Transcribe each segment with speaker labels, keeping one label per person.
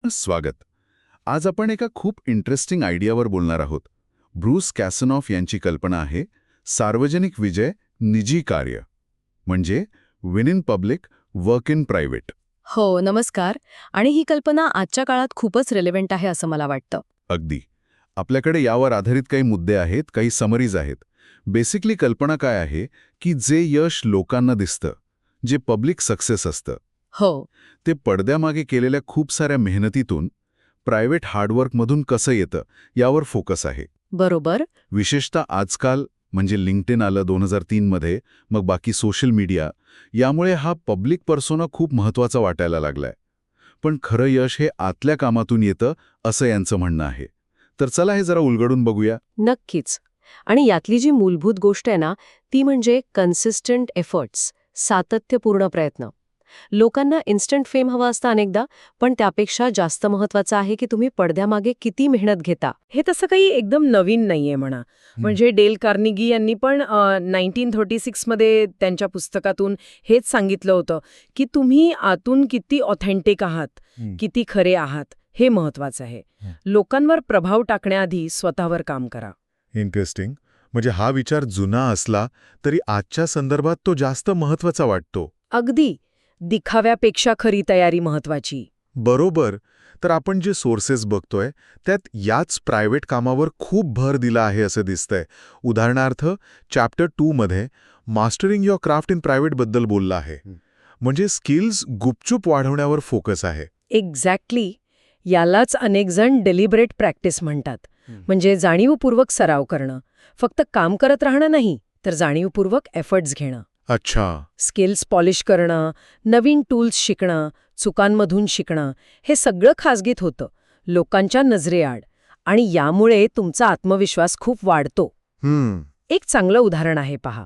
Speaker 1: स्वागत. आज आपण एका खूप इंटरेस्टिंग आयडियावर बोलणार आहोत. ब्रूस कॅसनॉफ यांची कल्पना आहे सार्वजनिक विजय निजी कार्य, म्हणजे win in public work in private.
Speaker 2: हो, नमस्कार. आणि ही कल्पना आजच्या काळात खूपच रिलेव्हंट आहे असं मला वाटतं.
Speaker 1: अगदी. आपल्याकडे यावर आधारित काही मुद्दे आहेत, काही समरीज आहेत. बेसिकली कल्पना काय आहे की जे यश लोकांना दिसतं, जे पब्लिक सक्सेस असतं,
Speaker 2: हो,
Speaker 1: ते पडद्यामागे केलेल्या खूप साऱ्या मेहनतीतून, प्रायव्हेट हार्डवर्कमधून कसं येतं यावर फोकस आहे.
Speaker 2: बरोबर.
Speaker 1: विशेषतः आजकाल म्हणजे लिंक्डइन आलं 2003 मध्ये, मग बाकी सोशल मीडिया, यामुळे हा पब्लिक पर्सोना खूप महत्त्वाचा वाटायला लागलाय. पण खरं यश हे आतल्या कामातून येतं असं यांचं म्हणणं आहे. तर चला हे जरा उलगडून बघूया.
Speaker 2: नक्कीच. आणि यातली जी मूलभूत गोष्ट आहे ना, ती म्हणजे कन्सिस्टंट एफर्ट्स, सातत्यपूर्ण प्रयत्न. लोकांना इन्स्टंट फेम हवा असतं अनेकदा, पण त्यापेक्षा जास्त महत्वाचं आहे की तुम्ही पडद्यामागे किती मेहनत घेता.
Speaker 3: हे तसं काही एकदम नवीन नाहीये म्हणा. म्हणजे डेल कार्नेगी यांनी पण 1936 मध्ये त्यांच्या पुस्तकातून हेच सांगितलं होतं की तुम्ही आतून किती ऑथेंटिक आहात, किती खरे आहात, हे महत्वाचं आहे. लोकांवर प्रभाव टाकण्याआधी स्वतःवर काम करा.
Speaker 4: इंटरेस्टिंग. म्हणजे हा विचार जुना असला तरी आजच्या संदर्भात तो जास्त महत्त्वाचा वाटतो.
Speaker 3: अगदी. दिखाव्यापेक्षा खरी तयारी महत्वाची.
Speaker 4: बरोबर. तर आपण जे सोर्सेस बघतोय त्यात याच प्रायव्हेट कामावर खूप भर दिला आहे असं दिसतंय. उदाहरणार्थ चॅप्टर 2 मध्ये mastering your craft in private बद्दल बोलला आहे. म्हणजे स्किल्स गुपचूप वाढवण्यावर फोकस आहे.
Speaker 3: एक्झॅक्टली. यालाच अनेक जण डेलिबरेट प्रॅक्टिस म्हणतात. म्हणजे जाणीवपूर्वक सराव करणं. फक्त काम करत राहणं नाही, तर जाणीवपूर्वक एफर्ट्स घेणं.
Speaker 4: अच्छा.
Speaker 3: स्किल्स पॉलिश करणं, नवीन टूल्स शिकणं, चुकांमधून शिकणं, हे सगळं खाजगीत होतं, लोकांच्या नजरेआड. आणि यामुळे तुमचा आत्मविश्वास खूप वाढतो. एक चांगलं उदाहरण आहे पहा.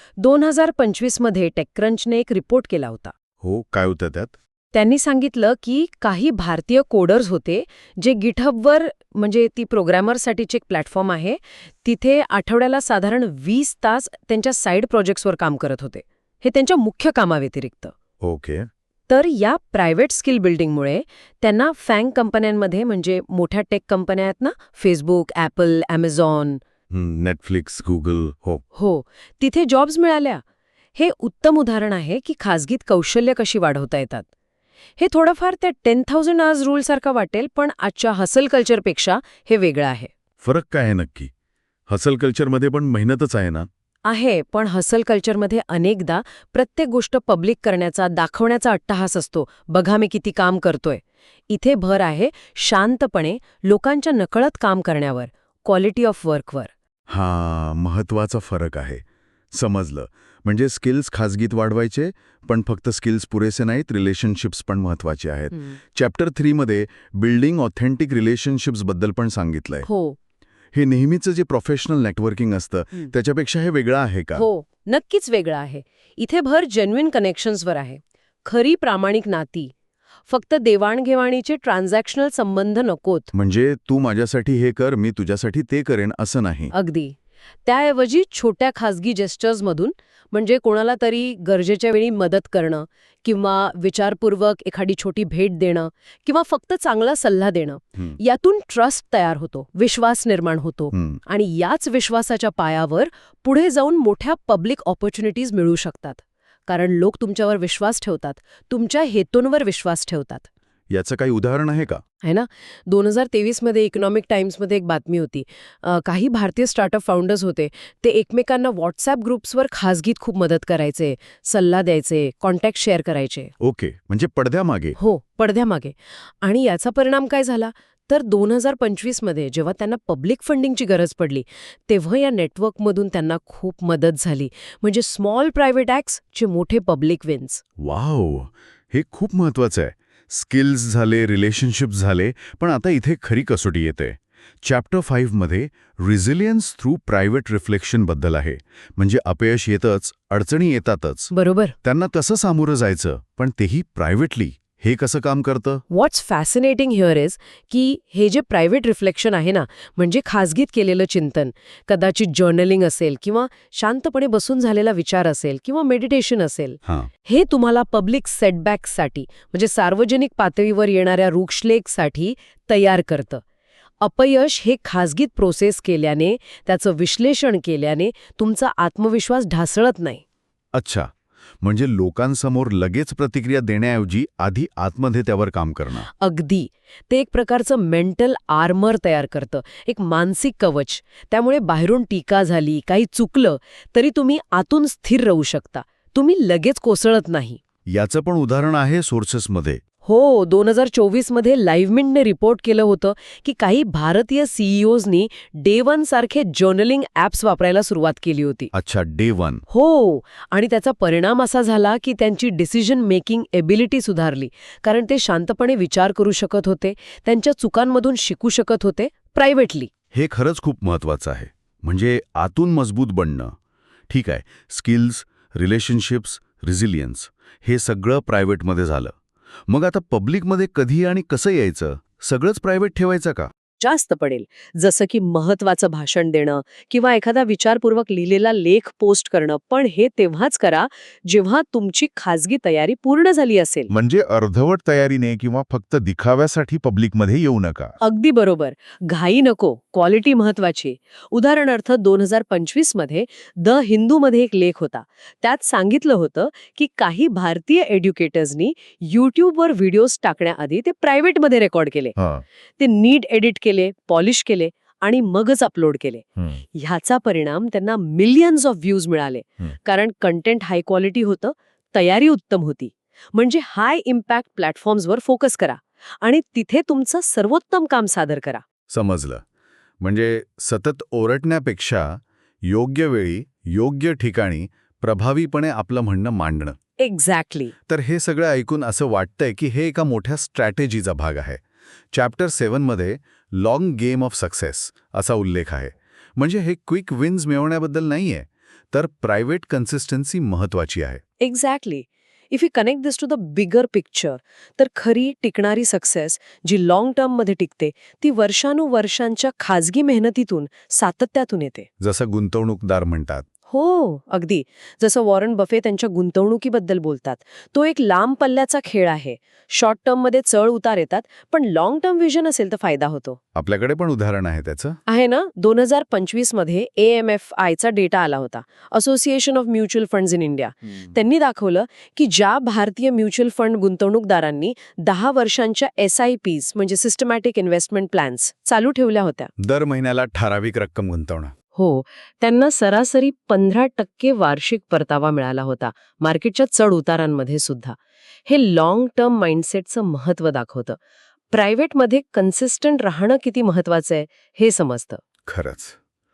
Speaker 3: 2025 मध्ये टेकक्रंचने एक रिपोर्ट केला होता.
Speaker 4: हो, काय होतं त्यात?
Speaker 3: त्यांनी सांगितलं की काही भारतीय कोडर्स होते जे गिटहबवर, म्हणजे ती प्रोग्रॅमरसाठीची एक प्लॅटफॉर्म आहे, तिथे आठवड्याला साधारण 20 तास त्यांच्या साईड प्रोजेक्ट्सवर काम करत होते. हे त्यांच्या मुख्य कामाव्यतिरिक्त.
Speaker 4: ओके.
Speaker 3: तर या प्रायव्हेट स्किल बिल्डिंगमुळे त्यांना फॅंग कंपन्यांमध्ये, म्हणजे मोठ्या टेक कंपन्या आहेत ना, Facebook, Apple, Amazon,
Speaker 4: Netflix, Google,
Speaker 3: हो, तिथे जॉब्स मिळाल्या. हे उत्तम उदाहरण आहे की खाजगीत कौशल्य कशी वाढवता येतात. हे थोडंफार त्या 10,000 आवर्स रूल सारखं वाटेल, पण आजच्या हसल कल्चरपेक्षा हे वेगळं आहे.
Speaker 4: फरक काय आहे नक्की? हसल कल्चरमध्ये पण मेहनतच आहे ना?
Speaker 3: आहे, पण हसल कल्चरमध्ये अनेकदा प्रत्येक गोष्ट पब्लिक करण्याचा, दाखवण्याचा अट्टहास असतो. बघा मी किती काम करतोय. इथे भर आहे शांतपणे लोकांच्या नकळत काम करण्यावर, क्वालिटी ऑफ वर्कवर.
Speaker 4: हा महत्वाचा फरक आहे. समजलं. म्हणजे स्किल्स खाजगीत वाढवायचे, पण फक्त स्किल्स पुरेसे नाहीत, रिलेशनशिप्स पण महत्वाचे आहेत. चॅप्टर 3 मध्ये बिल्डिंग ऑथेंटिक रिलेशनशिप्स बद्दल पण सांगितलंय.
Speaker 3: हो,
Speaker 4: हे नेहमीचं जे प्रोफेशनल नेटवर्किंग असतं त्याच्यापेक्षा हे वेगळं आहे का?
Speaker 3: हो, नक्कीच वेगळं आहे. इथे भर जेन्युइन कनेक्शन्सवर आहे. खरी प्रामाणिक नाती. फक्त देवाणघेवाणीचे ट्रान्झॅक्शनल संबंध नकोत.
Speaker 4: म्हणजे तू माझ्यासाठी हे कर, मी तुझ्यासाठी ते करेन असं नाही.
Speaker 3: अगदी. त्याऐवजी छोट्या खाजगी जेस्चर्समधून, म्हणजे कोणाला तरी गरजेच्या वेळी मदत करणं, किंवा विचारपूर्वक एखादी छोटी भेट देणं, किंवा फक्त चांगला सल्ला देणं, यातून ट्रस्ट तयार होतो, विश्वास निर्माण होतो. आणि याच विश्वासाच्या पायावर पुढे जाऊन मोठ्या पब्लिक ऑपॉर्च्युनिटीज मिळू शकतात. कारण लोक तुमच्यावर विश्वास ठेवतात, तुमच्या हेतूंवर विश्वास ठेवतात.
Speaker 4: याचं काही उदाहरण आहे का?
Speaker 3: आहे ना. 2023 मध्ये इकॉनॉमिक टाइम्समध्ये एक बातमी होती. काही भारतीय स्टार्टअप फाउंडर्स होते, ते एकमेकांना व्हॉट्सॲप ग्रुप्सवर खाजगीत खूप मदत करायचे, सल्ला द्यायचे, कॉन्टॅक्ट शेअर करायचे.
Speaker 4: ओके. म्हणजे पडद्यामागे.
Speaker 3: हो, पडद्यामागे. आणि याचा परिणाम काय झाला तर 2025 मध्ये जेव्हा त्यांना पब्लिक फंडिंगची गरज पडली, तेव्हा या नेटवर्कमधून त्यांना खूप मदत झाली. म्हणजे स्मॉल प्रायव्हेट ॲक्ट्स चे मोठे पब्लिक विन्स.
Speaker 4: वाव, हे खूप महत्वाचं आहे. स्किल्स झाले, रिलेशनशिप झाले, पण आता इथे खरी कसोटी येते. चॅप्टर 5 मध्ये रिझिलियन्स थ्रू प्रायव्हेट रिफ्लेक्शन बद्दल आहे. म्हणजे अपयश येतच, अडचणी येतातच,
Speaker 3: बरोबर.
Speaker 4: त्यांना कसं सामोरं जायचं, पण तेही प्रायव्हेटली,
Speaker 1: हे कसं काम करतं?
Speaker 3: व्हॉट्स फॅसिनेटिंग हिअर इज की हे जे प्रायव्हेट रिफ्लेक्शन आहे ना, म्हणजे खाजगीत केलेलं चिंतन, कदाचित जर्नलिंग असेल किंवा शांतपणे बसून झालेला विचार असेल किंवा मेडिटेशन असेल,
Speaker 1: हां,
Speaker 3: हे तुम्हाला पब्लिक सेटबॅक्ससाठी म्हणजे सार्वजनिक पातळीवर येणाऱ्या रुक्षलेखसाठी तयार करतं. अपयश हे खाजगीत प्रोसेस केल्याने, त्याचं विश्लेषण केल्याने तुमचा आत्मविश्वास ढासळत नाही.
Speaker 1: अच्छा. म्हणजे लोकांसमोर लगेच प्रतिक्रिया देण्याऐवजी आधी आतमध्ये त्यावर काम करणं.
Speaker 3: अगदी. ते एक प्रकारचं मेंटल आर्मर तयार करतं, एक मानसिक कवच. त्यामुळे बाहेरून टीका झाली, काही चुकलं, तरी तुम्ही आतून स्थिर राहू शकता. तुम्ही लगेच कोसळत नाही.
Speaker 1: याचं पण उदाहरण आहे सोर्सेसमध्ये.
Speaker 3: हो, 2024मध्ये लाईव्हमिंटने रिपोर्ट केलं होतं की काही भारतीय सीईओजनी डे वन सारखे जर्नलिंग ॲप्स वापरायला सुरुवात केली होती.
Speaker 1: अच्छा, डे 1.
Speaker 3: हो, आणि त्याचा परिणाम असा झाला की त्यांची डिसिजन मेकिंग एबिलिटी सुधारली, कारण ते शांतपणे विचार करू शकत होते, त्यांच्या चुकांमधून शिकू शकत होते, प्रायव्हेटली.
Speaker 1: हे खरंच खूप महत्वाचं आहे. म्हणजे आतून मजबूत बनणं. ठीक आहे, स्किल्स, रिलेशनशिप्स, रिझिलियन्स हे सगळं प्रायव्हेटमध्ये झालं. मग आता पब्लिकमध्ये कधी आणि कसं यायचं? सगळंच प्रायव्हेट ठेवायचं का?
Speaker 2: जास्त पडेल, जसं की महत्वाचं भाषण देणं किंवा एखादा विचारपूर्वक लिहिलेला लेख पोस्ट करणं. पण हे तेव्हाच करा जेव्हा तुमची खाजगी तयारी पूर्ण झाली असेल.
Speaker 4: म्हणजे अर्धवट तयारीने किंवा फक्त दिखाव्यासाठी पब्लिकमध्ये येऊ नका.
Speaker 2: अगदी बरोबर. घाई नको, क्वालिटी महत्वाची. उदाहरणार्थ 2025मध्ये द हिंदूमध्ये एक लेख होता. त्यात सांगितलं होतं की काही भारतीय एड्युकेटर्सनी यूट्यूबवर व्हिडिओज टाकण्याआधी ते प्रायव्हेटमध्ये रेकॉर्ड केले.
Speaker 4: हां.
Speaker 2: ते नीट एडिट केले, पॉलिश केले आणि मगच अपलोड केले. ह्याचा परिणाम त्यांना मिलियन्स ऑफ व्ह्यूज मिळाले. कारण कंटेंट हाय क्वालिटी होतं, तयारी उत्तम होती. म्हणजे हाय इम्पॅक्ट प्लॅटफॉर्म्सवर फोकस करा आणि तिथे तुमचं सर्वोत्तम काम सादर करा.
Speaker 1: समजलं. म्हणजे सतत ओरडण्यापेक्षा योग्य वेळी, योग्य ठिकाणी प्रभावीपणे आपलं म्हणणं मांडणं.
Speaker 2: एक्झॅक्टली.
Speaker 1: तर हे सगळं ऐकून असं वाटतंय की हे एका मोठ्या स्ट्रॅटेजीचा भाग आहे. चॅप्टर 7मध्ये लॉंग गेम ऑफ सक्सेस असा उल्लेख आहे. म्हणजे हे क्विक विन्स मिळवण्याबद्दल नाहीये, तर प्रायव्हेट कन्सिस्टन्सी महत्वाची आहे.
Speaker 2: Exactly. If you connect this to the bigger picture, तर खरी टिकणारी सक्सेस जी लाँग टर्ममध्ये टिकते ती वर्षानुवर्षांच्या खाजगी मेहनतीतून, सातत्यातून येते.
Speaker 1: जसं गुंतवणूकदार म्हणतात.
Speaker 2: हो, अगदी. जसं वॉरन बफे त्यांच्या गुंतवणुकीबद्दल बोलतात. तो एक लांब पल्ल्याचा खेळ आहे. शॉर्ट टर्ममध्ये चढ उतार येतात, पण लाँग टर्म व्हिजन असेल तर फायदा होतो.
Speaker 1: आपल्याकडे पण उदाहरण आहे त्याचं.
Speaker 2: आहे ना. 2025मध्ये AMFIचा डेटा आला होता, association of mutual funds in India. त्यांनी दाखवलं की ज्या भारतीय म्युच्युअल फंड गुंतवणूकदारांनी 10 वर्षांच्या SIPs म्हणजे सिस्टमॅटिक इन्व्हेस्टमेंट प्लॅन्स चालू ठेवल्या होत्या,
Speaker 1: दर महिन्याला ठराविक रक्कम गुंतवणं.
Speaker 2: हो, त्यांना सरासरी 15% वार्षिक परतावा मिळाला होता, मार्केटच्या चढ उतारांमध्ये सुद्धा. हे लाँग टर्म माइंडसेटचं महत्त्व दाखवतं. प्रायव्हेटमध्ये कन्सिस्टंट राहणं किती महत्त्वाचं आहे हे समजतं.
Speaker 1: खरंच.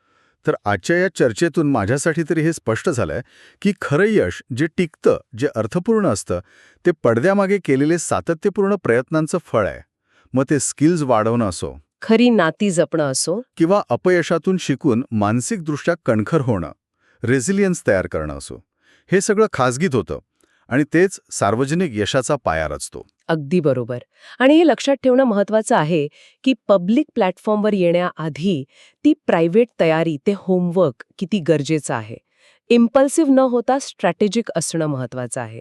Speaker 1: तर आजच्या या चर्चेतून माझ्यासाठी तरी हे स्पष्ट झालंय की खरं यश जे टिकतं, जे अर्थपूर्ण असतं, ते पडद्यामागे केलेले सातत्यपूर्ण प्रयत्नांचं फळ आहे. मग ते स्किल्स वाढवणं असो
Speaker 2: खरी नाती जपणं असो
Speaker 1: किंवा अपयशातून शिकून मानसिकदृष्ट्या कणखर होणं, रेझिलियन्स तयार करणं असो, हे सगळं खाजगीत होतं आणि तेच सार्वजनिक यशाचा पाया रचतो.
Speaker 2: अगदी बरोबर. आणि हे लक्षात ठेवणं महत्त्वाचं आहे की पब्लिक प्लॅटफॉर्मवर येण्याआधी ती प्रायव्हेट तयारी, ते होमवर्क किती गरजेचं आहे. इम्पल्सिव्ह न होता स्ट्रॅटेजिक असणं महत्त्वाचं आहे.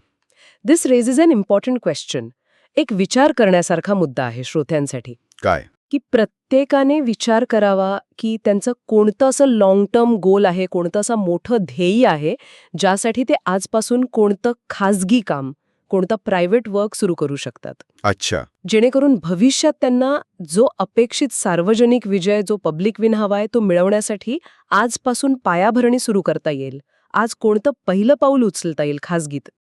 Speaker 2: This raises an important question. एक विचार करण्यासारखा मुद्दा आहे श्रोत्यांसाठी
Speaker 1: काय?
Speaker 2: की प्रत्येकाने विचार करावा की त्यांचं कोणतं असं लाँग टर्म गोल आहे, कोणतं असं मोठं ध्येय आहे ज्यासाठी ते आजपासून कोणतं खाजगी काम, कोणतं प्रायव्हेट वर्क सुरू करू शकतात,
Speaker 1: अच्छा.
Speaker 2: जेणेकरून भविष्यात त्यांना जो अपेक्षित सार्वजनिक विजय, जो पब्लिक विन हवा आहे तो मिळवण्यासाठी आजपासून पायाभरणी सुरू करता येईल. आज कोणतं पहिलं पाऊल उचलता येईल खाजगीत.